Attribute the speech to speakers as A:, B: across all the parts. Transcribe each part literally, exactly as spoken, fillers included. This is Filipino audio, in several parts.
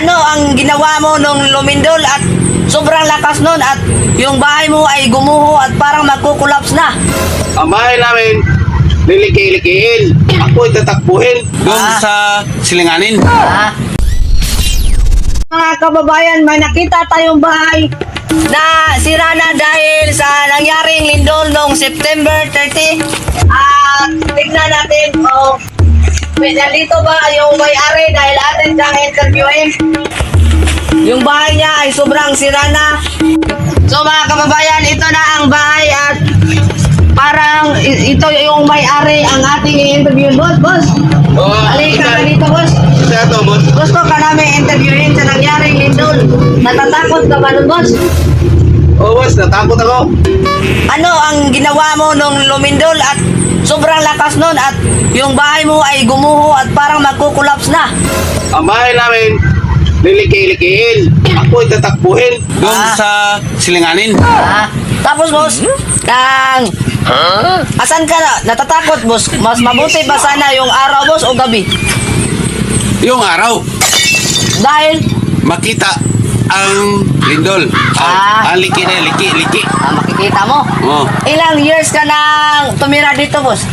A: Ano ang ginawa mo nung lumindol at sobrang lakas nun at yung bahay mo ay gumuho at parang magkukulaps na?
B: Ang bahay namin, liliki-likiin. Ako'y tatakbuhin. Doon
A: Ah.
B: sa silinganin.
A: Ah. Mga kababayan, may nakita tayong bahay na sira na dahil sa nangyaring lindol noong September thirtieth. At tignan natin kung may nandito ba yung may-ari dahil atin siyang interviewin. Yung bahay niya ay sobrang sira na. So mga kababayan, ito na ang bahay at parang i- ito yung may-ari ang ating i-interview. Boss, boss.
B: Oh,
A: Halika ka dito, boss.
B: Isa to, boss.
A: Gusto ka namin interviewin sa nangyaring lindol. Natatakot ka ba nun, boss?
B: Oh, boss, natakot ako.
A: Ano ang ginawa mo nung lumindol at sobrang lakas nun at yung bahay mo ay gumuho at parang magkukulaps na?
B: Ang bahay namin, liliki-likiin. Ako'y tatakbuhin. Doon
A: Ah.
B: sa silinganin.
A: Ah, tapos, boss, kang... Asan ka na? Natatakot, boss? Mas mabuti ba sana yung araw, boss, o gabi?
B: Yung araw,
A: Dahil,
B: makita ang lindol.
A: Ah.
B: Ang liki na, liki, liki.
A: ah, makikita mo.
B: Oh.
A: Ilang years ka nang tumira dito, boss?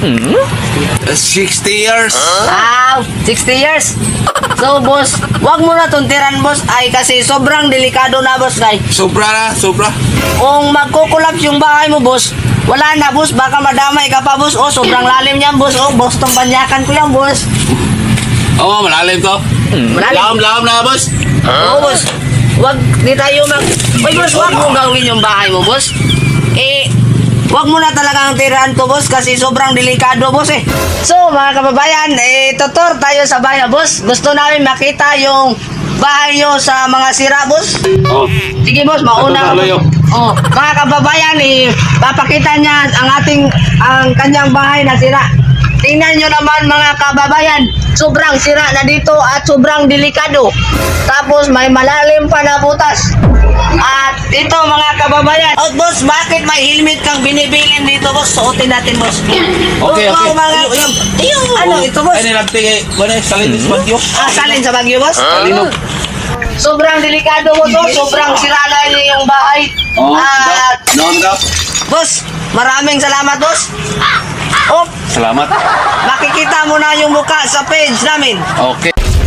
B: sixty years.
A: Ah, sixty years. So, boss, wag mo na tuntiran, boss. Ay, kasi sobrang delikado na, boss, kay.
B: Sobra na, sobra.
A: Kung magkukulaps yung bahay mo, boss, wala na, boss. Baka madamay ka pa, boss. Oh, sobrang lalim yan, boss. Oh, boss, tong banyakan ko yan, boss.
B: Oo, oh, malalim to.
A: Malalim.
B: Laham-laham na, boss.
A: Oo, boss. Wag, di tayo mag... Uy, boss, wag mo gawin yung bahay mo, boss. Eh, wag mo na talagang tirahan to, boss, kasi sobrang delikado, boss, eh. So, mga kababayan, eh, tutor tayo sa bahay, boss. Gusto namin makita yung bahay nyo sa mga sira, boss.
B: Oh.
A: Sige, boss, mauna ka.
B: Tutor tayo.
A: Oh, mga kababayan, eh, papakita niya ang ating, ang kanyang bahay na sira. Tingnan nyo naman, mga kababayan, sobrang sira na dito at sobrang delikado. Tapos may malalim pa na butas. At ito, mga kababayan. Oh, boss, bakit may helmet kang binibilin dito, boss? Suotin natin, boss.
B: Okay,
A: Oh,
B: okay.
A: mga... Ayun, ano ito, boss?
B: Ay, nilagti kay, wala, salin sa bagyo.
A: Ah, salin sa Bagyo, boss?
B: Salinog.
A: Sobrang delikado mo to, sobrang sira na yung bahay.
B: Oh,
A: At,
B: daw. No, daw.
A: boss, maraming salamat, boss. Oh,
B: Salamat.
A: makikita mo na yung mukha sa page namin.
B: Okay.